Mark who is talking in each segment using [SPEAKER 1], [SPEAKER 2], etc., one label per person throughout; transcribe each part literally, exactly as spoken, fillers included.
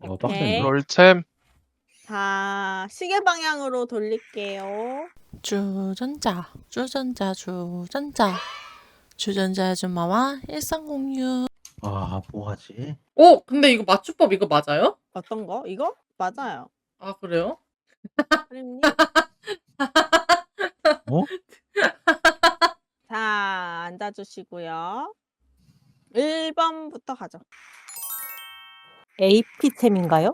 [SPEAKER 1] 어
[SPEAKER 2] 오케이.
[SPEAKER 1] 빡센데.
[SPEAKER 3] 롤챔.
[SPEAKER 2] 자, 시계 방향으로 돌릴게요.
[SPEAKER 4] 주전자, 주전자, 주전자. 주전자 아줌마와 일상 공유.
[SPEAKER 1] 아 뭐하지?
[SPEAKER 5] 어? 근데 이거 맞춤법 이거 맞아요?
[SPEAKER 2] 어떤 거? 이거? 맞아요.
[SPEAKER 5] 아 그래요?
[SPEAKER 2] 프림님.
[SPEAKER 1] 어?
[SPEAKER 2] 자, 앉아주시고요. 일 번부터 가죠.
[SPEAKER 6] 에이피템인가요?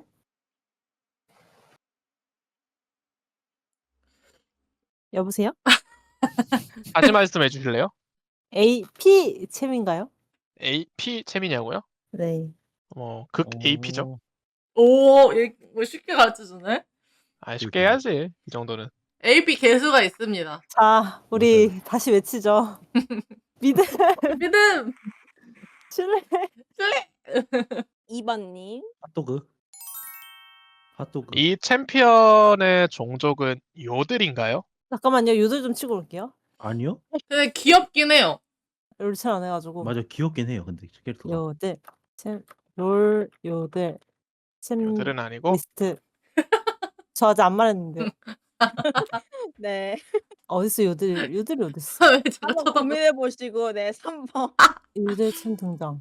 [SPEAKER 6] 여보세요?
[SPEAKER 3] 다시 말씀해 주실래요?
[SPEAKER 6] 에이피템인가요?
[SPEAKER 3] 에이피 챔이냐고요?
[SPEAKER 6] 네.
[SPEAKER 3] 어, 극 에이피죠.
[SPEAKER 5] 오, 얘 뭐 쉽게 가르쳐주네?
[SPEAKER 3] 아, 쉽게 해야지. 이 정도는.
[SPEAKER 5] 에이피 개수가 있습니다.
[SPEAKER 6] 자, 우리 다시 외치죠. 믿음,
[SPEAKER 5] 믿음!
[SPEAKER 6] 신뢰.
[SPEAKER 5] 신뢰!
[SPEAKER 2] 이 번님.
[SPEAKER 1] 핫도그. 핫도그.
[SPEAKER 3] 이 챔피언의 종족은 요들인가요?
[SPEAKER 6] 잠깐만요. 요들 좀 치고 올게요.
[SPEAKER 1] 아니요?
[SPEAKER 5] 근데 귀엽긴 해요.
[SPEAKER 6] 롤 잘 안 해가지고.
[SPEAKER 1] 맞아 귀엽긴 해요. 근데 캐릭터가.
[SPEAKER 6] 요들, 챔, 롤, 요들, 챔,
[SPEAKER 3] 요들은 아니고
[SPEAKER 6] 리스트. 저 아직 안 말했는데.
[SPEAKER 2] 네.
[SPEAKER 6] 어딨어, 요들, 요들이 어딨어?
[SPEAKER 5] 왜 제가
[SPEAKER 2] 한번
[SPEAKER 5] 쳐다보
[SPEAKER 2] 고민해 보시고, 네, 삼 번.
[SPEAKER 6] 요들 챔 등장.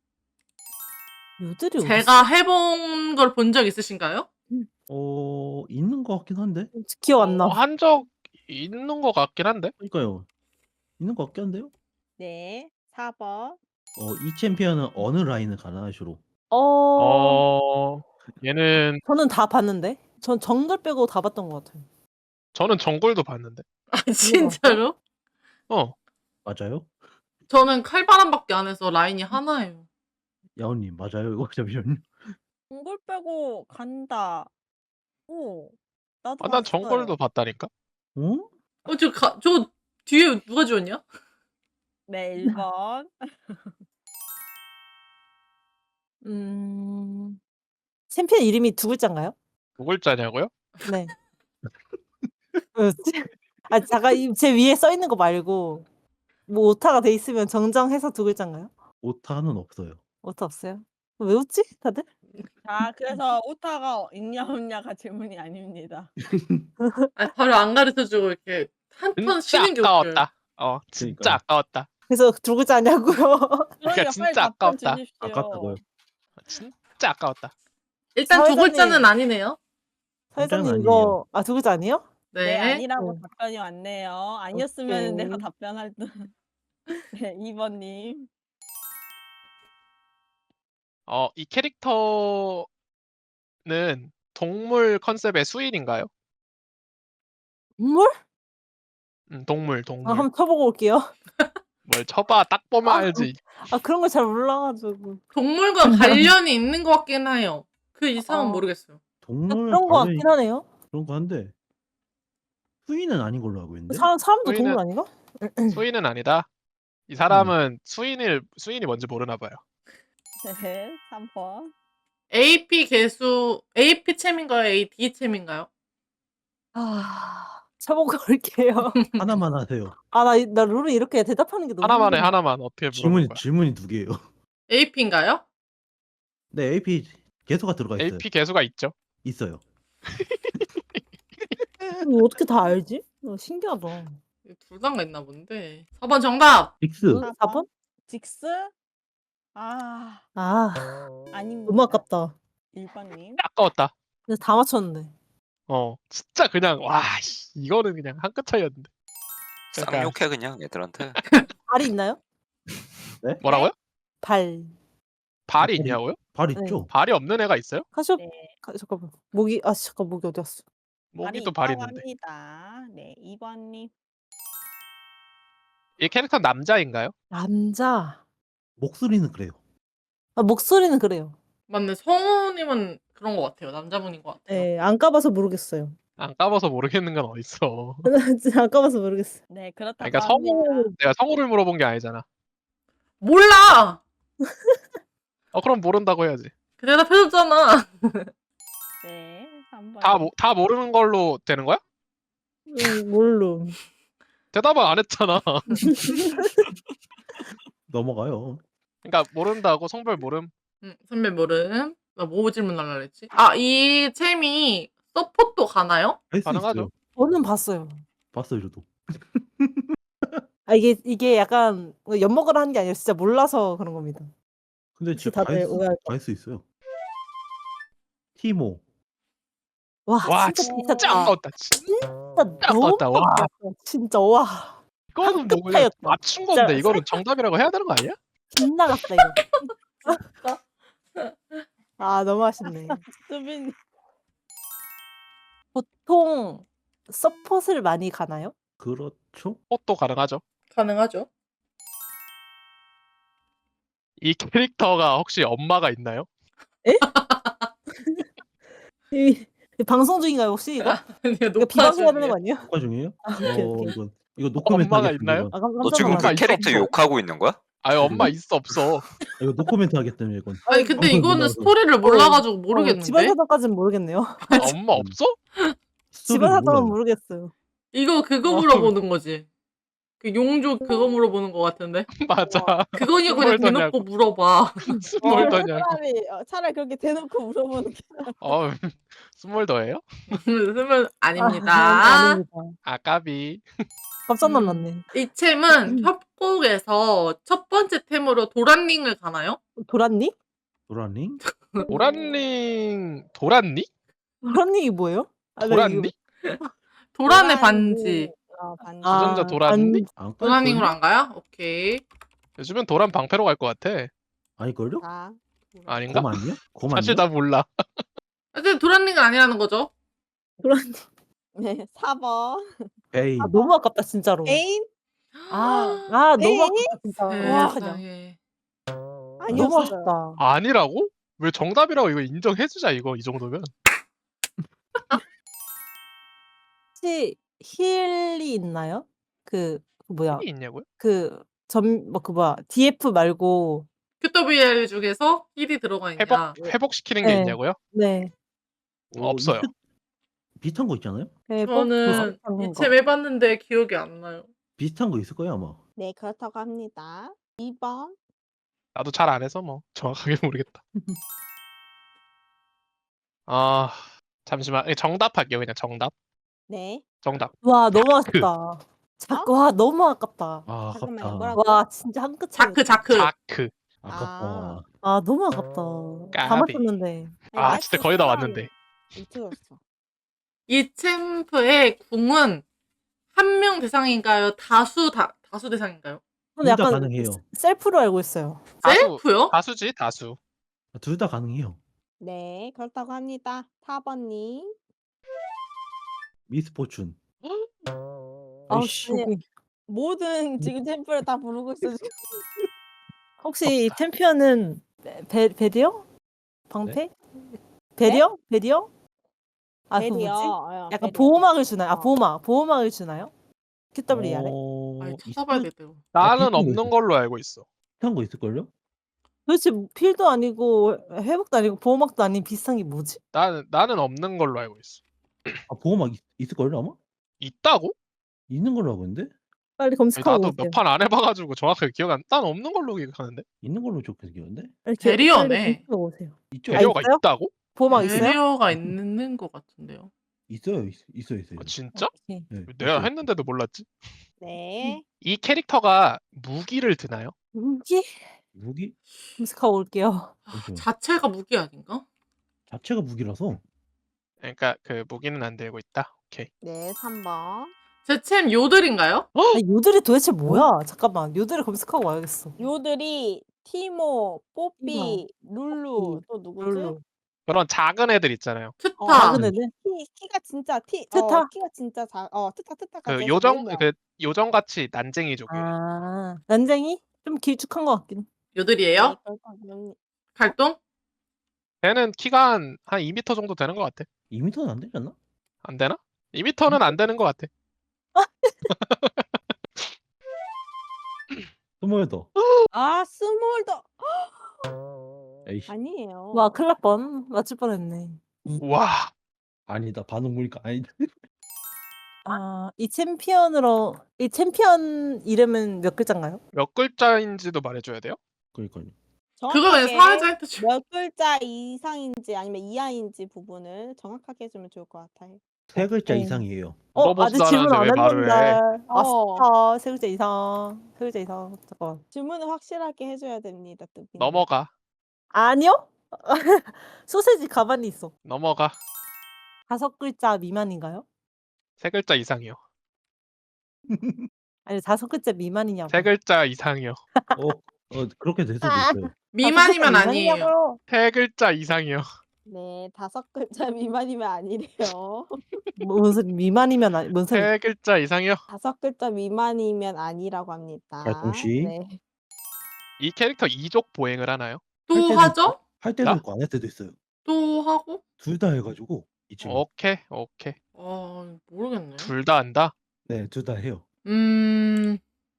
[SPEAKER 6] 요들이 어딨어?
[SPEAKER 5] 제가 해본 걸 본 적 있으신가요?
[SPEAKER 1] 어 있는 것 같긴 한데.
[SPEAKER 6] 기억 안 나.
[SPEAKER 3] 어, 한 적 있는 것 같긴 한데.
[SPEAKER 1] 그러니까요. 있는 것 같긴 한데요.
[SPEAKER 2] 네, 사 번.
[SPEAKER 1] 어 이 챔피언은 어느 라인을 가나요 주로?
[SPEAKER 6] 어...
[SPEAKER 3] 어, 얘는
[SPEAKER 6] 저는 다 봤는데. 전 정글 빼고 다 봤던 것 같아요.
[SPEAKER 3] 저는 정글도 봤는데.
[SPEAKER 5] 아 진짜로?
[SPEAKER 3] 어,
[SPEAKER 1] 맞아요?
[SPEAKER 5] 저는 칼바람밖에 안 해서 라인이 하나예요.
[SPEAKER 1] 야오님 맞아요 이거 잠시만요.
[SPEAKER 2] 정글 빼고 간다. 오, 나도
[SPEAKER 3] 아, 난
[SPEAKER 2] 봤어요.
[SPEAKER 3] 정글도 봤다니까.
[SPEAKER 1] 어?
[SPEAKER 5] 어, 저, 가, 저 뒤에 누가 지웠냐?
[SPEAKER 2] 네, 일 번.
[SPEAKER 6] 음... 챔피언 이름이 두 글자인가요?
[SPEAKER 3] 두 글자냐고요?
[SPEAKER 6] 네. 뭐였지? 아, 잠깐 이 제 위에 써 있는 거 말고 뭐 오타가 돼 있으면 정정해서 두 글자인가요?
[SPEAKER 1] 오타는 없어요.
[SPEAKER 6] 오타 없어요? 왜 웃지? 다들?
[SPEAKER 2] 자, 그래서 오타가 있냐 없냐가 질문이 아닙니다.
[SPEAKER 5] 아, 바로 안 가르쳐주고 이렇게 한 턴
[SPEAKER 3] 진짜
[SPEAKER 5] 쉬는 게 웃겨요.
[SPEAKER 3] 아까웠다. 어, 진짜
[SPEAKER 1] 그러니까요.
[SPEAKER 3] 아까웠다.
[SPEAKER 6] 그래서 두 글자냐고요?
[SPEAKER 2] 그러니까
[SPEAKER 3] 진짜
[SPEAKER 2] 빨리 답변
[SPEAKER 3] 아까웠다.
[SPEAKER 2] 주십시오.
[SPEAKER 1] 아깝다고요.
[SPEAKER 3] 진짜 아까웠다.
[SPEAKER 5] 일단 두
[SPEAKER 6] 사회자님.
[SPEAKER 5] 글자는 아니네요.
[SPEAKER 6] 사회자님
[SPEAKER 1] 아니에요.
[SPEAKER 6] 이거 아 두 글자 아니에요?
[SPEAKER 2] 네,
[SPEAKER 5] 네.
[SPEAKER 2] 아니라고
[SPEAKER 6] 네.
[SPEAKER 2] 답변이 왔네요. 아니었으면 내가
[SPEAKER 6] 오케이.
[SPEAKER 2] 답변할 듯. 네, 이 번님.
[SPEAKER 3] 어, 이 캐릭터는 동물 컨셉의 수인인가요?
[SPEAKER 6] 물?
[SPEAKER 3] 음, 동물,
[SPEAKER 6] 아,
[SPEAKER 3] 동물.
[SPEAKER 6] 한번 쳐보고 올게요.
[SPEAKER 3] 뭘 쳐봐, 딱 보면
[SPEAKER 6] 아,
[SPEAKER 3] 알지.
[SPEAKER 6] 아 그런 걸 잘 몰라가지고.
[SPEAKER 5] 동물과 관련이 있는 것 같긴 해요. 그 이상은
[SPEAKER 6] 어.
[SPEAKER 5] 모르겠어요.
[SPEAKER 6] 아,
[SPEAKER 1] 동물
[SPEAKER 6] 그런 거
[SPEAKER 1] 관련이
[SPEAKER 6] 같긴 하네요.
[SPEAKER 1] 그런 거 한데 수인은 아닌 걸로 알고 있는데.
[SPEAKER 6] 사람 사람도
[SPEAKER 3] 수인은-
[SPEAKER 6] 동물 아닌가?
[SPEAKER 3] 수인은 아니다. 이 사람은 수인을 수인이 뭔지 모르나 봐요.
[SPEAKER 2] 네, 삼 번.
[SPEAKER 5] 에이피 개수 에이피 챔인가요? 에이디 챔인가요?
[SPEAKER 6] 아 쳐보고 올게요.
[SPEAKER 1] 하나만 하세요.
[SPEAKER 6] 아나 나 룰을 이렇게 대답하는 게 너무
[SPEAKER 3] 하나만 해,
[SPEAKER 6] 힘들어.
[SPEAKER 3] 하나만. 어떻게 물어볼
[SPEAKER 1] 질문이
[SPEAKER 3] 거야?
[SPEAKER 1] 질문이 두 개예요.
[SPEAKER 5] 에이피인가요?
[SPEAKER 1] 네 에이피 개수가 들어가 있어요.
[SPEAKER 3] 에이피 개수가 있죠.
[SPEAKER 1] 있어요.
[SPEAKER 6] 이거 어떻게 다 알지? 어, 신기하다.
[SPEAKER 5] 둘 다가 있나 본데. 사 번 정답.
[SPEAKER 1] 빅스.
[SPEAKER 6] 응?
[SPEAKER 2] 사
[SPEAKER 6] 사 번?
[SPEAKER 2] 직스? 아,
[SPEAKER 6] 아
[SPEAKER 2] 아닙니다.
[SPEAKER 6] 너무 아깝다.
[SPEAKER 2] 일 번님.
[SPEAKER 3] 아까웠다.
[SPEAKER 6] 근데 다 맞췄는데.
[SPEAKER 3] 어, 진짜 그냥 와, 씨, 이거는 그냥 한 끗 차이였는데. 그러니까
[SPEAKER 7] 쌍욕해 그냥 애들한테.
[SPEAKER 6] 발이 있나요?
[SPEAKER 3] 뭐라고요?
[SPEAKER 6] 발.
[SPEAKER 3] 발이
[SPEAKER 1] 발이-
[SPEAKER 3] 있냐고요?
[SPEAKER 1] 발
[SPEAKER 6] 네.
[SPEAKER 1] 있죠?
[SPEAKER 3] 발이 없는 애가 있어요?
[SPEAKER 6] 카시오
[SPEAKER 2] 네,
[SPEAKER 6] 가, 잠깐만 목이 아 잠깐 목이 어디 갔어?
[SPEAKER 3] 모기도 발이
[SPEAKER 2] 있다고
[SPEAKER 3] 있는데.
[SPEAKER 2] 합니다. 네, 이 번님.
[SPEAKER 3] 이 캐릭터 남자인가요?
[SPEAKER 6] 남자.
[SPEAKER 1] 목소리는 그래요.
[SPEAKER 6] 아 목소리는 그래요.
[SPEAKER 5] 맞네. 성우님은 그런 것 같아요. 남자분인 것 같아요.
[SPEAKER 6] 네, 안 까봐서 모르겠어요.
[SPEAKER 3] 안 까봐서 모르겠는 건 어딨어.
[SPEAKER 6] 진짜 안 까봐서 모르겠어요.
[SPEAKER 2] 네, 그렇다고
[SPEAKER 3] 그러니까
[SPEAKER 2] 합니다.
[SPEAKER 3] 성우 내가 성우를 물어본 게 아니잖아.
[SPEAKER 5] 몰라!
[SPEAKER 3] 어, 그럼 모른다고 해야지.
[SPEAKER 5] 그 대답해줬잖아.
[SPEAKER 2] 네, 삼 번.
[SPEAKER 3] 다, 모, 다 모르는 걸로 되는 거야?
[SPEAKER 6] 음, 모르.
[SPEAKER 3] 대답을 안 했잖아.
[SPEAKER 1] 넘어가요.
[SPEAKER 3] 그러니까 모른다고 성별 모름.
[SPEAKER 5] 음, 선배 모름. 나 뭐 질문하려고 그랬지? 아, 이 챔이 서폿도 가나요?
[SPEAKER 1] 할 수
[SPEAKER 3] 가능하죠.
[SPEAKER 1] 있어요.
[SPEAKER 6] 저는 봤어요.
[SPEAKER 1] 봤어요 저도.
[SPEAKER 6] 아 이게 이게 약간 뭐 엿먹으라 하는 게 아니라 진짜 몰라서 그런 겁니다.
[SPEAKER 1] 근데
[SPEAKER 6] 혹시
[SPEAKER 1] 진짜
[SPEAKER 6] 다들 오해할 거.
[SPEAKER 1] 갈수 있어요. 티모.
[SPEAKER 6] 와
[SPEAKER 3] 와
[SPEAKER 6] 진짜
[SPEAKER 3] 진짜
[SPEAKER 6] 미쳤다.
[SPEAKER 3] 아까웠다. 진짜
[SPEAKER 6] 진짜 너무
[SPEAKER 3] 아까웠다. 와
[SPEAKER 6] 아까웠어. 진짜 와.
[SPEAKER 3] 이거는 뭐 그냥
[SPEAKER 6] 한끗하였다.
[SPEAKER 3] 맞춘
[SPEAKER 6] 진짜
[SPEAKER 3] 건데 이거는 정답이라고 해야 되는 거 아니야?
[SPEAKER 6] 빗나갔다 이거. 아 너무 아쉽네.
[SPEAKER 2] 수빈
[SPEAKER 6] 보통 서폿을 많이 가나요?
[SPEAKER 1] 그렇죠.
[SPEAKER 3] 헛도 가능하죠.
[SPEAKER 5] 가능하죠.
[SPEAKER 3] 이 캐릭터가 혹시 엄마가 있나요?
[SPEAKER 6] 이, 이 방송 중인가요 혹시 이거?
[SPEAKER 5] 아니요,
[SPEAKER 6] 이거
[SPEAKER 5] 녹화
[SPEAKER 6] 비방해야 되는
[SPEAKER 5] 중이에요.
[SPEAKER 6] 거 아니에요?
[SPEAKER 1] 녹화 중이에요?
[SPEAKER 6] 아, 오케이,
[SPEAKER 1] 어
[SPEAKER 6] 오케이.
[SPEAKER 1] 이건 이거 노코멘트
[SPEAKER 3] 엄마가
[SPEAKER 1] 하겠습니다.
[SPEAKER 3] 있나요?
[SPEAKER 1] 이건.
[SPEAKER 6] 아, 깜-
[SPEAKER 7] 너
[SPEAKER 6] 깜짝
[SPEAKER 7] 지금
[SPEAKER 3] 엄마
[SPEAKER 7] 그
[SPEAKER 6] 놀랐네.
[SPEAKER 3] 있어,
[SPEAKER 7] 캐릭터
[SPEAKER 3] 없어?
[SPEAKER 7] 욕하고 있는 거야?
[SPEAKER 3] 아니 엄마 있어 없어.
[SPEAKER 1] 아, 이거 노코멘트 하겠다며 이건.
[SPEAKER 5] 아니 근데
[SPEAKER 1] 방송에
[SPEAKER 5] 이거는
[SPEAKER 1] 몰라서.
[SPEAKER 5] 스토리를 몰라가지고
[SPEAKER 6] 어, 집안
[SPEAKER 5] 모르겠는데?
[SPEAKER 6] 사정까지는 모르겠네요.
[SPEAKER 3] 아, 엄마 없어?
[SPEAKER 1] 스토리를
[SPEAKER 6] 집안 사정은
[SPEAKER 1] 몰라요.
[SPEAKER 6] 모르겠어요.
[SPEAKER 5] 이거 그거
[SPEAKER 6] 어.
[SPEAKER 5] 물어보는 거지. 그 용조 그거 물어보는 거 같은데?
[SPEAKER 3] 맞아.
[SPEAKER 5] 그거냐 그냥
[SPEAKER 3] 스몰더냐고.
[SPEAKER 5] 대놓고 물어봐.
[SPEAKER 3] 스몰더냐고.
[SPEAKER 2] 차라리 어, 차라리 그렇게 대놓고 물어보는 게
[SPEAKER 3] 어 스몰더예요?
[SPEAKER 5] 쓰면
[SPEAKER 6] 아,
[SPEAKER 5] 아닙니다.
[SPEAKER 6] 아닙니다.
[SPEAKER 3] 아까비.
[SPEAKER 6] 깜짝 놀랐네.
[SPEAKER 5] 이 챔은 협곡에서 첫 번째 템으로 도란링을 가나요?
[SPEAKER 6] 도란니?
[SPEAKER 1] 도라닝?
[SPEAKER 3] 도란링 도란니?
[SPEAKER 6] 도란니이 뭐예요? 아, 나
[SPEAKER 3] 도란니?
[SPEAKER 5] 도란의 반지.
[SPEAKER 2] 어, 반지.
[SPEAKER 6] 아,
[SPEAKER 3] 주전자 도란니?
[SPEAKER 1] 안
[SPEAKER 5] 도란링으로
[SPEAKER 1] 깔걸요?
[SPEAKER 5] 안 가요? 오케이.
[SPEAKER 3] 요즘엔 도란 방패로 갈 것 같아.
[SPEAKER 1] 아닐걸요?
[SPEAKER 2] 자,
[SPEAKER 3] 아닌가?
[SPEAKER 1] 곰 아니야? 곰
[SPEAKER 3] 사실
[SPEAKER 1] 아니야?
[SPEAKER 3] 나 몰라.
[SPEAKER 5] 근데 도란링은 아니라는 거죠?
[SPEAKER 6] 도란니.
[SPEAKER 2] 네, 사 번.
[SPEAKER 1] 베인.
[SPEAKER 6] 아 너무 아깝다 진짜로.
[SPEAKER 2] 애인?
[SPEAKER 6] 아, 아 너무
[SPEAKER 2] 에이?
[SPEAKER 6] 아깝다 진짜. 와,
[SPEAKER 5] 세상에.
[SPEAKER 6] 너무
[SPEAKER 2] 아니었어요.
[SPEAKER 6] 아쉽다.
[SPEAKER 3] 아니라고? 왜 정답이라고 이거 인정해주자 이거 이 정도면.
[SPEAKER 6] 혹시 힐이 있나요? 그, 그 뭐야?
[SPEAKER 3] 이 있냐고요?
[SPEAKER 6] 그 전 뭐 그 뭐야? 디에프 말고.
[SPEAKER 5] 큐더비엘 중에서 힐이 들어가 있냐?
[SPEAKER 3] 회복 회복시키는 게
[SPEAKER 6] 네.
[SPEAKER 3] 있냐고요?
[SPEAKER 6] 네.
[SPEAKER 1] 어,
[SPEAKER 3] 없어요.
[SPEAKER 1] 있을- 비슷한 거 있잖아요?
[SPEAKER 6] 네,
[SPEAKER 5] 저는
[SPEAKER 6] 거.
[SPEAKER 5] 이 챔 해봤는데 기억이 안 나요.
[SPEAKER 1] 비슷한 거 있을 거예요 아마.
[SPEAKER 2] 네, 그렇다고 합니다. 이 번.
[SPEAKER 3] 나도 잘 안 해서 뭐 정확하게 모르겠다. 아 잠시만 정답할게요 그냥 정답.
[SPEAKER 2] 네.
[SPEAKER 3] 정답.
[SPEAKER 6] 와 너무 아쉽다. 자꾸 와 너무 아깝다.
[SPEAKER 1] 아
[SPEAKER 2] 잠깐만요.
[SPEAKER 1] 아깝다.
[SPEAKER 2] 뭐라고?
[SPEAKER 6] 와 진짜 한 끗 차이.
[SPEAKER 5] 자크 자크.
[SPEAKER 3] 자크.
[SPEAKER 1] 아깝다.
[SPEAKER 6] 아 너무 아깝다. 다
[SPEAKER 3] 까비.
[SPEAKER 6] 맞췄는데.
[SPEAKER 3] 아 진짜 거의 다 왔는데.
[SPEAKER 2] 미쳐졌어.
[SPEAKER 5] 이 챔프의 궁은 한 명 대상인가요? 다수 다 다수 대상인가요?
[SPEAKER 6] 근데
[SPEAKER 1] 둘 다
[SPEAKER 6] 약간
[SPEAKER 1] 가능해요.
[SPEAKER 6] 셀프로 알고 있어요.
[SPEAKER 3] 다수
[SPEAKER 5] 셀프요?
[SPEAKER 3] 다수지 다수.
[SPEAKER 1] 둘 다 가능해요.
[SPEAKER 2] 네, 그렇다고 합니다. 사 번님.
[SPEAKER 1] 미스포춘.
[SPEAKER 6] 아우씨.
[SPEAKER 2] 아니, 모든 지금 템플을 다 부르고 있어 지금.
[SPEAKER 6] 혹시 이 챔피언은 베, 베 베리어? 방패? 베리어? 베리어? 아 그
[SPEAKER 2] 베리어.
[SPEAKER 6] 뭐지?
[SPEAKER 2] 어,
[SPEAKER 6] 약간
[SPEAKER 2] 베리어.
[SPEAKER 6] 보호막을 주나요? 아
[SPEAKER 2] 어.
[SPEAKER 6] 보호막. 보호막을 주나요? 큐더블유알에?
[SPEAKER 1] 어,
[SPEAKER 5] 아니
[SPEAKER 1] 있을-
[SPEAKER 5] 찾아봐야 돼요.
[SPEAKER 3] 나는
[SPEAKER 1] 비슷한 거
[SPEAKER 3] 없는
[SPEAKER 1] 있어.
[SPEAKER 3] 걸로 알고 있어.
[SPEAKER 1] 비슷한 거 있을걸요?
[SPEAKER 6] 도대체 필도 아니고 회복도 아니고 보호막도 아닌 비슷한 게 뭐지?
[SPEAKER 3] 나는 나는 없는 걸로 알고 있어.
[SPEAKER 1] 아 보호막 있, 있을걸요 아마?
[SPEAKER 3] 있다고?
[SPEAKER 1] 있는 걸로 알고 있는데?
[SPEAKER 6] 빨리
[SPEAKER 3] 아니,
[SPEAKER 6] 검색하고
[SPEAKER 3] 나도
[SPEAKER 6] 오세요.
[SPEAKER 3] 몇 판 안 해봐가지고 정확하게 기억 안. 난 없는 걸로 기억하는데.
[SPEAKER 1] 있는 걸로 기억하는데?
[SPEAKER 6] 빨리 기-
[SPEAKER 5] 베리어네.
[SPEAKER 6] 빨리 검색하고 오세요.
[SPEAKER 1] 있죠?
[SPEAKER 3] 배려가
[SPEAKER 6] 있어요?
[SPEAKER 3] 있다고?
[SPEAKER 6] 보호막 있어요?
[SPEAKER 5] 베리어가 있는 것 같은데요.
[SPEAKER 1] 있어요, 있, 있어요, 있어요.
[SPEAKER 3] 아, 진짜?
[SPEAKER 6] 오케이.
[SPEAKER 1] 네,
[SPEAKER 3] 내가
[SPEAKER 1] 있어요.
[SPEAKER 3] 했는데도 몰랐지.
[SPEAKER 2] 네.
[SPEAKER 3] 이 캐릭터가 무기를 드나요?
[SPEAKER 6] 무기?
[SPEAKER 1] 무기
[SPEAKER 6] 검색하고 올게요.
[SPEAKER 1] 잠시만요.
[SPEAKER 5] 자체가 무기 아닌가?
[SPEAKER 1] 자체가 무기라서
[SPEAKER 3] 그러니까 그 무기는 안 들고 있다. 오케이.
[SPEAKER 2] 네, 삼 번.
[SPEAKER 5] 제 챔 요들인가요?
[SPEAKER 6] 아니, 요들이 도대체 뭐야? 잠깐만. 요들을 검색하고 와야겠어.
[SPEAKER 2] 요들이 티모, 뽀삐, 룰루
[SPEAKER 6] 뽀삐,
[SPEAKER 2] 또 누구지?
[SPEAKER 6] 룰루.
[SPEAKER 3] 그런 작은 애들 있잖아요.
[SPEAKER 5] 트타.
[SPEAKER 2] 어,
[SPEAKER 6] 작은 애들?
[SPEAKER 2] 키 키가 진짜 티
[SPEAKER 6] 트타?
[SPEAKER 2] 어, 키가 진짜 작 어, 트타 트타까지
[SPEAKER 3] 그
[SPEAKER 2] 해서
[SPEAKER 3] 요정
[SPEAKER 2] 네 명.
[SPEAKER 3] 그 요정 같이 난쟁이족이에요.
[SPEAKER 6] 아, 난쟁이? 좀 길쭉한 것 같긴.
[SPEAKER 5] 요들이에요?
[SPEAKER 2] 네, 그렇다고
[SPEAKER 5] 갈동?
[SPEAKER 3] 걔는 키가 한, 한 이 미터 정도 되는 것 같아.
[SPEAKER 1] 이 미터는 안 되지 않나?
[SPEAKER 3] 안 되나? 이 미터는 안 되는 것 같아.
[SPEAKER 1] 스몰 더.
[SPEAKER 2] 아, 스몰더
[SPEAKER 1] 에이씨.
[SPEAKER 2] 아니에요.
[SPEAKER 6] 와, 큰일 날 뻔. 맞출 뻔했네.
[SPEAKER 3] 와.
[SPEAKER 1] 아니다. 반응 보니까 아니다.
[SPEAKER 6] 아, 이 챔피언으로, 이 챔피언 이름은 몇 글자인가요?
[SPEAKER 3] 몇 글자인지도 말해줘야 돼요?
[SPEAKER 1] 그러니까요.
[SPEAKER 5] 그거 그냥
[SPEAKER 2] 정확하게
[SPEAKER 5] 사회자 힌트 줘.
[SPEAKER 2] 몇 글자 이상인지 아니면 이하인지 부분을 정확하게 해주면 좋을 것 같아요.
[SPEAKER 1] 세 글자
[SPEAKER 6] 어.
[SPEAKER 1] 이상이에요.
[SPEAKER 6] 어
[SPEAKER 3] 물어보지도
[SPEAKER 6] 아직 질문 안
[SPEAKER 3] 않았는데 왜 말을 해?
[SPEAKER 6] 했는데.
[SPEAKER 2] 어.
[SPEAKER 6] 아싸 세 글자 이상. 세 글자 이상. 잠깐.
[SPEAKER 2] 질문을 확실하게 해줘야 됩니다. 뚜비님.
[SPEAKER 3] 넘어가.
[SPEAKER 6] 아니요? 소세지 가만히 있어.
[SPEAKER 3] 넘어가.
[SPEAKER 6] 다섯 글자 미만인가요?
[SPEAKER 3] 세 글자 이상이요.
[SPEAKER 6] 아니 다섯 글자 미만이냐고.
[SPEAKER 3] 세 글자 이상이요.
[SPEAKER 1] 어, 어 그렇게 될 수도 있어요.
[SPEAKER 5] 미만이면
[SPEAKER 6] 다섯 글자
[SPEAKER 5] 아니에요.
[SPEAKER 6] 미만이냐고요.
[SPEAKER 3] 세 글자 이상이요.
[SPEAKER 2] 네, 다섯 글자 미만이면 아니래요.
[SPEAKER 6] 뭐, 무슨 미만이면 아니 뭔 소리?
[SPEAKER 3] 세 글자 이상이요.
[SPEAKER 2] 다섯 글자 미만이면 아니라고 합니다.
[SPEAKER 1] 자, 동시.
[SPEAKER 2] 네.
[SPEAKER 3] 이 캐릭터 이족 보행을 하나요?
[SPEAKER 5] 또
[SPEAKER 1] 할 때도
[SPEAKER 5] 하죠?
[SPEAKER 1] 할 때도
[SPEAKER 3] 야?
[SPEAKER 1] 있고 안 할 때도 있어요.
[SPEAKER 5] 또 하고?
[SPEAKER 1] 둘 다 해가지고 이 친구.
[SPEAKER 3] 오케이 오케이.
[SPEAKER 5] 아 모르겠네.
[SPEAKER 3] 둘 다 한다.
[SPEAKER 1] 네, 둘 다 해요.
[SPEAKER 5] 음.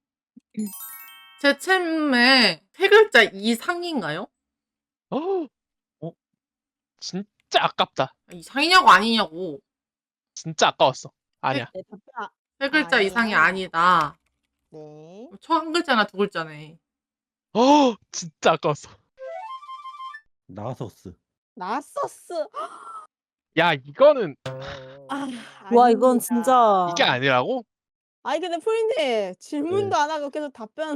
[SPEAKER 5] 제 챔에 세 글자 이상인가요?
[SPEAKER 3] 어?
[SPEAKER 1] 어?
[SPEAKER 3] 진짜 아깝다.
[SPEAKER 5] 이상이냐고 아니냐고.
[SPEAKER 3] 진짜 아까웠어. 아니야.
[SPEAKER 2] 네, 답변. 아,
[SPEAKER 5] 세 글자
[SPEAKER 2] 아니에요.
[SPEAKER 5] 이상이 아니다.
[SPEAKER 2] 네.
[SPEAKER 5] 초 한 글자나 두 글자네.
[SPEAKER 3] 어 진짜 아까웠어.
[SPEAKER 1] 나서스.
[SPEAKER 2] 나서스.
[SPEAKER 3] 야 이거는
[SPEAKER 2] 아,
[SPEAKER 6] 와 이건
[SPEAKER 2] 아닙니다.
[SPEAKER 6] 진짜.
[SPEAKER 3] 이게 아니라고?
[SPEAKER 2] 아니 근데 프린님 질문도 안 하고 계속 답변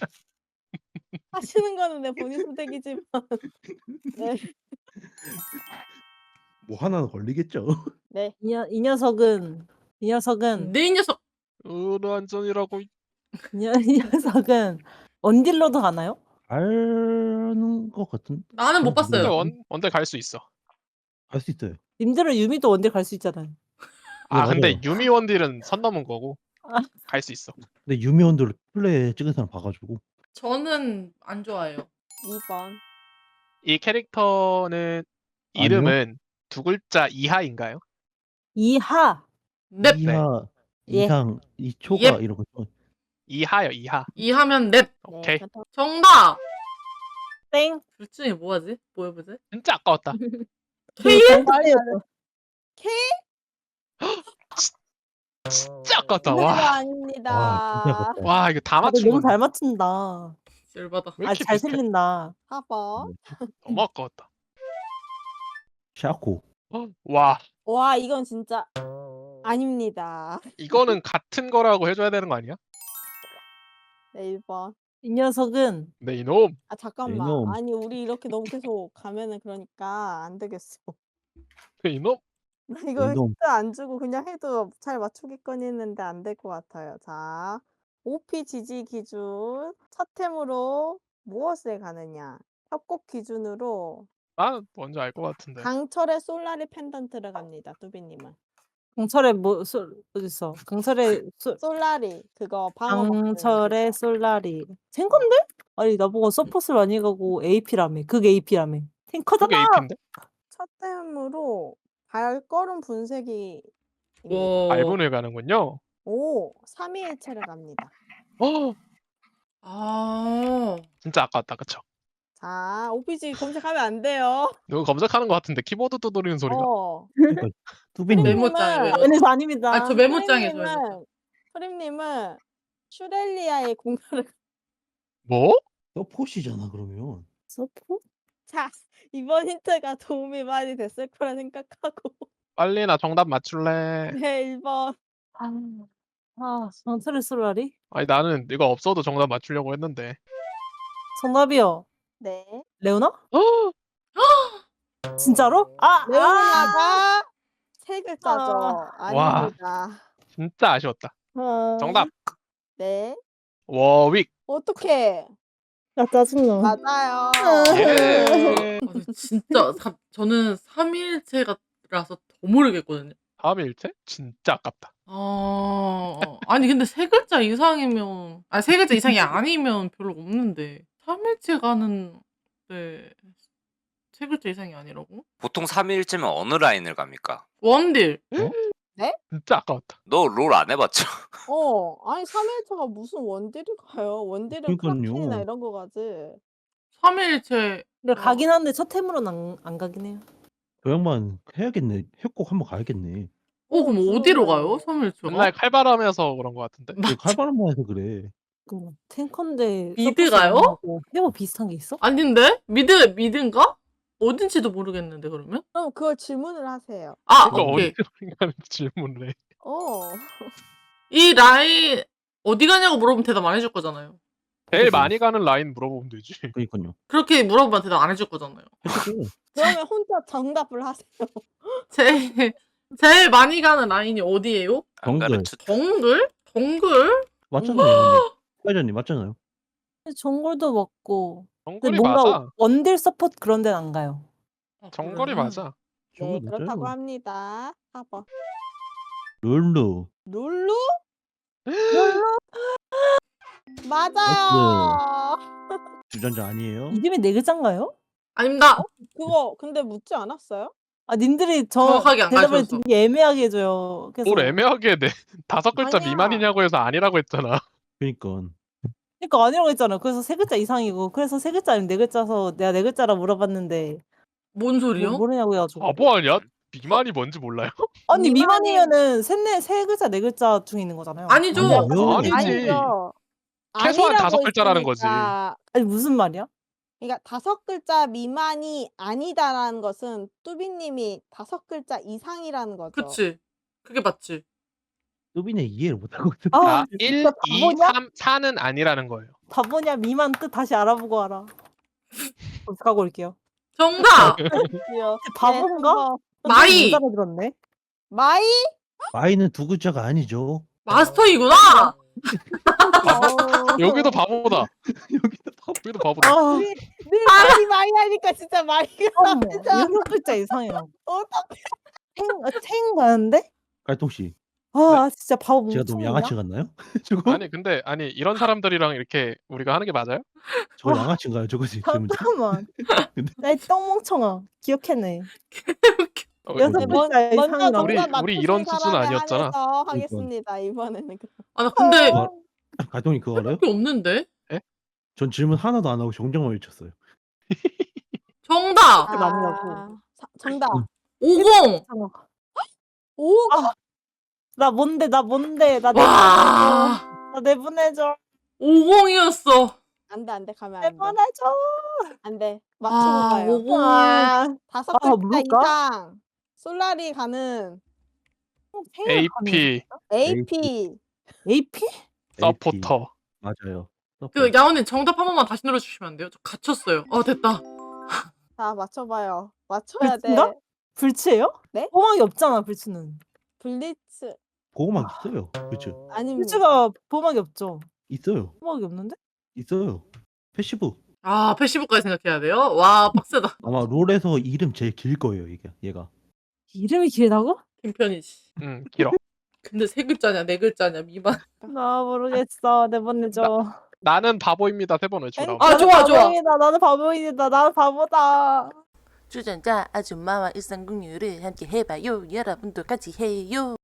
[SPEAKER 2] 하시는 거는 내 본인 선택이지만. 네.
[SPEAKER 1] 뭐 하나는 걸리겠죠.
[SPEAKER 2] 네.
[SPEAKER 6] 이, 녀, 이 녀석은 이 녀석은
[SPEAKER 5] 내 이 녀석.
[SPEAKER 3] 으르안전이라고.
[SPEAKER 6] 이, 녀, 이 녀석은 원딜로도 가나요?
[SPEAKER 1] 아는 것 같은.
[SPEAKER 5] 나는 못
[SPEAKER 1] 그건
[SPEAKER 3] 근데
[SPEAKER 5] 봤어요.
[SPEAKER 1] 몰라요.
[SPEAKER 3] 원 원대 갈 수 있어.
[SPEAKER 1] 갈 수 있어요.
[SPEAKER 6] 님들은 유미도 원딜 갈 수 있잖아요.
[SPEAKER 3] 아
[SPEAKER 1] 네,
[SPEAKER 3] 근데
[SPEAKER 1] 맞아요.
[SPEAKER 3] 유미 원딜은 선 넘은 거고
[SPEAKER 6] 아.
[SPEAKER 3] 갈 수 있어.
[SPEAKER 1] 근데 유미원들 플레이 찍은 사람 봐가지고.
[SPEAKER 5] 저는 안 좋아해요.
[SPEAKER 2] 이 번.
[SPEAKER 3] 이 캐릭터는
[SPEAKER 1] 아니요.
[SPEAKER 3] 이름은 두 글자 이하인가요?
[SPEAKER 6] 이하.
[SPEAKER 5] 넵.
[SPEAKER 1] 이하
[SPEAKER 6] 예.
[SPEAKER 1] 이상 이 초가
[SPEAKER 5] 예.
[SPEAKER 1] 이런 거.
[SPEAKER 3] 이하요 이하.
[SPEAKER 5] 이하면 넷.
[SPEAKER 3] 오케이.
[SPEAKER 2] 네, 그렇다.
[SPEAKER 5] 정답.
[SPEAKER 6] 땡.
[SPEAKER 5] 둘 중에 뭐하지? 뭐 해보지?
[SPEAKER 3] 진짜 아까웠다.
[SPEAKER 6] 케일?
[SPEAKER 3] 진짜 아깝다.
[SPEAKER 2] 문제가
[SPEAKER 3] 와.
[SPEAKER 2] 아닙니다.
[SPEAKER 1] 와, 진짜 아깝다.
[SPEAKER 3] 와 이거 다
[SPEAKER 6] 다들
[SPEAKER 3] 맞춘
[SPEAKER 6] 너무
[SPEAKER 3] 건데.
[SPEAKER 6] 잘 맞춘다.
[SPEAKER 5] 열받아.
[SPEAKER 3] 왜
[SPEAKER 6] 아
[SPEAKER 3] 이렇게
[SPEAKER 6] 잘
[SPEAKER 3] 비슷해?
[SPEAKER 6] 틀린다.
[SPEAKER 2] 사 번.
[SPEAKER 3] 너무 아까웠다.
[SPEAKER 1] 샤코.
[SPEAKER 3] 어, 와
[SPEAKER 2] 와, 이건 진짜 아닙니다.
[SPEAKER 3] 이거는 같은 거라고 해줘야 되는 거 아니야?
[SPEAKER 2] 네, 일 번.
[SPEAKER 6] 이 녀석은
[SPEAKER 3] 네 이놈.
[SPEAKER 2] 아, 잠깐만.
[SPEAKER 1] 이놈.
[SPEAKER 2] 아니, 우리 이렇게 너무 계속 가면은 그러니까 안 되겠어.
[SPEAKER 3] 네 이놈.
[SPEAKER 2] 나 이거
[SPEAKER 1] 이놈.
[SPEAKER 2] 힌트 안 주고 그냥 해도 잘 맞추겠거니 했는데 안 될 것 같아요. 자, 오피 지지 기준 첫 템으로 무엇에 가느냐? 협곡 기준으로
[SPEAKER 3] 난 뭔지 알 것 같은데.
[SPEAKER 2] 강철의 솔라리 펜던트를 갑니다. 뚜비님은.
[SPEAKER 6] 강철의 뭐 소, 어디 있어? 강철의 소,
[SPEAKER 2] 솔라리 그거 방어
[SPEAKER 6] 강철의 솔라리. 탱커인데? 아니 나보고 서폿을 많이 가고 에이피라며. 극 에이피라며.
[SPEAKER 3] 그게
[SPEAKER 6] 탱커잖아.
[SPEAKER 3] 에이피인데?
[SPEAKER 2] 첫 템으로 발걸음 분쇄기
[SPEAKER 5] 와.
[SPEAKER 3] 알분을 가는군요.
[SPEAKER 2] 오, 삼위일체를 갑니다.
[SPEAKER 3] 어
[SPEAKER 5] 아.
[SPEAKER 3] 진짜 아까웠다 그쵸?
[SPEAKER 2] 자, 오피지 검색하면 안 돼요.
[SPEAKER 3] 누구 검색하는 것 같은데 키보드 두드리는 소리가.
[SPEAKER 2] 어.
[SPEAKER 1] 그러니까 뚜비님.
[SPEAKER 5] 메모장에
[SPEAKER 2] 프림님은-
[SPEAKER 5] 메모.
[SPEAKER 6] 아니 저 아닙니다.
[SPEAKER 5] 아 저 메모장에 저 메모장.
[SPEAKER 2] 프림님은 프림님은 슈렐리아의 공간을
[SPEAKER 3] 뭐?
[SPEAKER 1] 서폿이잖아 그러면.
[SPEAKER 6] 서폿?
[SPEAKER 2] 자, 이번 힌트가 도움이 많이 됐을 거라 생각하고
[SPEAKER 3] 빨리 나 정답 맞출래.
[SPEAKER 2] 네, 일 번.
[SPEAKER 6] 아, 아 강철의 솔라리?
[SPEAKER 3] 아니 나는 이거 없어도 정답 맞추려고 했는데.
[SPEAKER 6] 정답이요.
[SPEAKER 2] 네.
[SPEAKER 6] 레오나?
[SPEAKER 3] 어?
[SPEAKER 6] 진짜로? 아, 아.
[SPEAKER 2] 레오나가 세 글자죠.
[SPEAKER 6] 아.
[SPEAKER 3] 와.
[SPEAKER 2] 아닙니다.
[SPEAKER 3] 진짜 아쉬웠다.
[SPEAKER 6] 아.
[SPEAKER 3] 정답
[SPEAKER 2] 네.
[SPEAKER 3] 워윅.
[SPEAKER 2] 어떻게?
[SPEAKER 6] 야 짜증나.
[SPEAKER 2] 맞아요.
[SPEAKER 3] 예.
[SPEAKER 5] 아, 근데 진짜 사, 저는 삼일체라서 더 모르겠거든요.
[SPEAKER 3] 다음 일체? 진짜 아깝다.
[SPEAKER 5] 아, 아니 근데 세 글자 이상이면 아니 세 글자 이상이 아니면 별로 없는데 삼일체 가는 네. 세 글자 이상이 아니라고?
[SPEAKER 7] 보통 삼일째면 어느 라인을 갑니까?
[SPEAKER 5] 원딜.
[SPEAKER 3] 진짜 아까웠다.
[SPEAKER 7] 너 롤 안 해봤죠?
[SPEAKER 2] 어, 아니 삼일체가 무슨 원딜이 가요? 원딜은
[SPEAKER 1] 그러니깐요.
[SPEAKER 2] 크라켄이나 이런 거 가지.
[SPEAKER 5] 삼일체.
[SPEAKER 6] 근데 가긴 한데 첫 템으로는 안, 안 가긴 해요.
[SPEAKER 1] 저 양반 해야겠네. 협곡 한번 가야겠네.
[SPEAKER 5] 어 그럼
[SPEAKER 2] 어,
[SPEAKER 5] 어디로
[SPEAKER 2] 그러네.
[SPEAKER 5] 가요? 삼일체가?
[SPEAKER 3] 맨날 칼바람해서 그런 것 같은데.
[SPEAKER 1] 그 칼바람만 해서 그래.
[SPEAKER 6] 그 탱커인데
[SPEAKER 5] 미드가요?
[SPEAKER 6] 서포트 해보 비슷한 게 있어?
[SPEAKER 5] 아닌데? 미드 미드인가? 어딘지도 모르겠는데 그러면?
[SPEAKER 2] 그럼 그걸 질문을 하세요.
[SPEAKER 5] 아
[SPEAKER 3] 그러니까
[SPEAKER 5] 오케이.
[SPEAKER 3] 어디가는 질문을 해.
[SPEAKER 2] 어.
[SPEAKER 5] 이 라인 어디 가냐고 물어보면 대답 안 해줄 거잖아요.
[SPEAKER 3] 제일
[SPEAKER 1] 그치.
[SPEAKER 3] 많이 가는 라인 물어보면 되지.
[SPEAKER 1] 그니까요.
[SPEAKER 5] 그렇게 물어보면 대답 안 해줄 거잖아요.
[SPEAKER 1] 솔직히
[SPEAKER 2] 그러면 혼자 정답을 하세요.
[SPEAKER 5] 제일 제일 많이 가는 라인이 어디예요?
[SPEAKER 7] 안
[SPEAKER 1] 정글.
[SPEAKER 7] 가르쳐.
[SPEAKER 5] 정글? 정글?
[SPEAKER 1] 맞잖아요, 형님. 사이저님 맞잖아요.
[SPEAKER 6] 정글도 먹고. 근데
[SPEAKER 3] 정글이
[SPEAKER 6] 뭔가
[SPEAKER 3] 맞아.
[SPEAKER 6] 원딜 서포트 그런 데는 안 가요.
[SPEAKER 3] 정글이
[SPEAKER 5] 그래요?
[SPEAKER 3] 맞아.
[SPEAKER 2] 네,
[SPEAKER 1] 정글
[SPEAKER 2] 그렇다고
[SPEAKER 1] 맞아요.
[SPEAKER 2] 합니다. 사 번.
[SPEAKER 1] 룰루.
[SPEAKER 2] 룰루? 룰루? 맞아요.
[SPEAKER 1] 주전자 아니에요?
[SPEAKER 6] 이름이 네 글자인가요?
[SPEAKER 5] 아닙니다.
[SPEAKER 2] 그거 근데 묻지 않았어요?
[SPEAKER 6] 아 님들이 저
[SPEAKER 5] 정확하게 안
[SPEAKER 6] 대답을
[SPEAKER 5] 가르쳐줬어.
[SPEAKER 6] 되게 애매하게 해줘요. 그래서
[SPEAKER 3] 뭘 애매하게 내 다섯 글자
[SPEAKER 2] 아니야.
[SPEAKER 3] 미만이냐고 해서 아니라고 했잖아.
[SPEAKER 1] 그니까.
[SPEAKER 6] 그러니까 아니라고 했잖아요. 그래서 세 글자 이상이고 그래서 세 글자 아니면 네 글자서 내가 네 글자라 물어봤는데
[SPEAKER 5] 뭔
[SPEAKER 6] 뭐
[SPEAKER 5] 소리요?
[SPEAKER 6] 모르냐고 해가지고.
[SPEAKER 3] 바보 아니야? 미만이 뭔지 몰라요?
[SPEAKER 6] 아니
[SPEAKER 2] 미만이-
[SPEAKER 6] 미만이면은 셋네 세 글자 네 글자 중에 있는 거잖아요.
[SPEAKER 5] 아니죠.
[SPEAKER 1] 아니요.
[SPEAKER 3] 아니지.
[SPEAKER 2] 아니죠.
[SPEAKER 3] 최소한
[SPEAKER 2] 아니라고
[SPEAKER 3] 다섯 글자라는 거지.
[SPEAKER 2] 했으니까.
[SPEAKER 6] 아니 무슨 말이야?
[SPEAKER 2] 그러니까 다섯 글자 미만이 아니다라는 것은 뚜비님이 다섯 글자 이상이라는 거죠.
[SPEAKER 5] 그치. 그게 맞지.
[SPEAKER 1] 뚜비네 이해를 못하고 있어.
[SPEAKER 6] 아
[SPEAKER 3] 아, 일,
[SPEAKER 6] 진짜
[SPEAKER 3] 이,
[SPEAKER 6] 바보냐?
[SPEAKER 3] 삼, 사는 아니라는 거예요.
[SPEAKER 6] 바보냐 미만 뜻 다시 알아보고 알아. 검색하고 올게요.
[SPEAKER 5] 정답.
[SPEAKER 2] 귀여워.
[SPEAKER 6] 바본가?
[SPEAKER 2] 네,
[SPEAKER 5] 마이.
[SPEAKER 6] 못 알아들었네.
[SPEAKER 2] 마이?
[SPEAKER 1] 마이는 두 글자가 아니죠.
[SPEAKER 5] 마스터이구나.
[SPEAKER 2] 어.
[SPEAKER 3] 여기도 바보다.
[SPEAKER 1] 여기도 바보.
[SPEAKER 3] 여기도 바보다.
[SPEAKER 6] 아,
[SPEAKER 2] 늘 마이 마이 하니까 진짜 마이가
[SPEAKER 6] 어머,
[SPEAKER 2] 진짜
[SPEAKER 6] 여섯 글자 이상이야.
[SPEAKER 2] 어떡해.
[SPEAKER 6] 탱, 아, 탱 가는데?
[SPEAKER 1] 깔통 씨,
[SPEAKER 6] 아, 진짜 바보
[SPEAKER 1] 제가 너무
[SPEAKER 6] 멍청이냐?
[SPEAKER 1] 양아치 같나요? 저거?
[SPEAKER 3] 아니 근데 아니 이런 사람들이랑 이렇게 우리가 하는 게 맞아요?
[SPEAKER 1] 저거
[SPEAKER 6] 아.
[SPEAKER 1] 양아치인가요? 저거 지금?
[SPEAKER 6] 잠깐만.
[SPEAKER 1] 근데-
[SPEAKER 6] 나이 똥멍청아. 기억해내.
[SPEAKER 3] 어,
[SPEAKER 6] 여섯
[SPEAKER 1] 네,
[SPEAKER 6] 글자
[SPEAKER 2] 먼저
[SPEAKER 6] 이상이라고.
[SPEAKER 3] 우리-
[SPEAKER 2] 정답
[SPEAKER 3] 우리
[SPEAKER 2] 맞추신
[SPEAKER 3] 이런 수준
[SPEAKER 2] 사람에
[SPEAKER 3] 아니었잖아.
[SPEAKER 2] 한해서 하겠습니다. 이번에는.
[SPEAKER 5] 아 나 근데
[SPEAKER 1] 어. 갈통이 그거 알아요?
[SPEAKER 5] 그게 없는데.
[SPEAKER 1] 전 질문 하나도 안 하고 정정만 외쳤어요.
[SPEAKER 5] 정답.
[SPEAKER 6] 그게 맞냐고.
[SPEAKER 2] 아, 사- 정답.
[SPEAKER 1] 응.
[SPEAKER 5] 오공.
[SPEAKER 2] 오.
[SPEAKER 6] 아, 나 뭔데, 나 뭔데, 나 내보내줘.
[SPEAKER 5] 와.
[SPEAKER 6] 나 내보내줘.
[SPEAKER 5] 오공이었어.
[SPEAKER 2] 안돼 안돼 가면 안돼.
[SPEAKER 6] 내보내줘.
[SPEAKER 2] 안돼. 맞추고
[SPEAKER 5] 아
[SPEAKER 2] 가요.
[SPEAKER 5] 오공을.
[SPEAKER 6] 아,
[SPEAKER 2] 다섯
[SPEAKER 6] 아,
[SPEAKER 2] 글자
[SPEAKER 6] 뭘까?
[SPEAKER 2] 이상. 솔라리 가는
[SPEAKER 6] 탱을 가는
[SPEAKER 3] 에이피
[SPEAKER 2] 에이피.
[SPEAKER 6] 에이피?
[SPEAKER 3] 서포터.
[SPEAKER 1] 맞아요.
[SPEAKER 5] 그 야원님 정답 한 번만 다시 눌러주시면 안 돼요? 저 갇혔어요. 어 됐다.
[SPEAKER 2] 자 맞춰봐요. 맞춰야 돼.
[SPEAKER 6] 불치인가? 불치예요?
[SPEAKER 2] 네?
[SPEAKER 6] 호망이 없잖아, 불치는.
[SPEAKER 2] 블리츠
[SPEAKER 1] 그거만 있어요. 그렇죠.
[SPEAKER 2] 아닙니다.
[SPEAKER 6] 불치가 보막이 없죠.
[SPEAKER 1] 있어요.
[SPEAKER 6] 호막이 없는데?
[SPEAKER 1] 있어요. 패시브.
[SPEAKER 5] 아 패시브까지 생각해야 돼요? 와 빡세다.
[SPEAKER 1] 아마 롤에서 이름 제일 길 거예요, 이게. 얘가.
[SPEAKER 6] 이름이 길다고?
[SPEAKER 5] 김편이지.
[SPEAKER 3] 응 길어.
[SPEAKER 5] 근데 세 글자냐 네 글자냐 미만.
[SPEAKER 6] 나 모르겠어. 내보내줘.
[SPEAKER 3] 나는 바보입니다. 세 번 외치고 나오고.
[SPEAKER 5] 아,
[SPEAKER 6] 나는
[SPEAKER 5] 좋아, 좋아.
[SPEAKER 6] 바보이다. 나는 바보이다. 나는 바보다.
[SPEAKER 4] 주전자 아줌마와 일상공유를 함께 해봐요. 여러분도 같이 해요.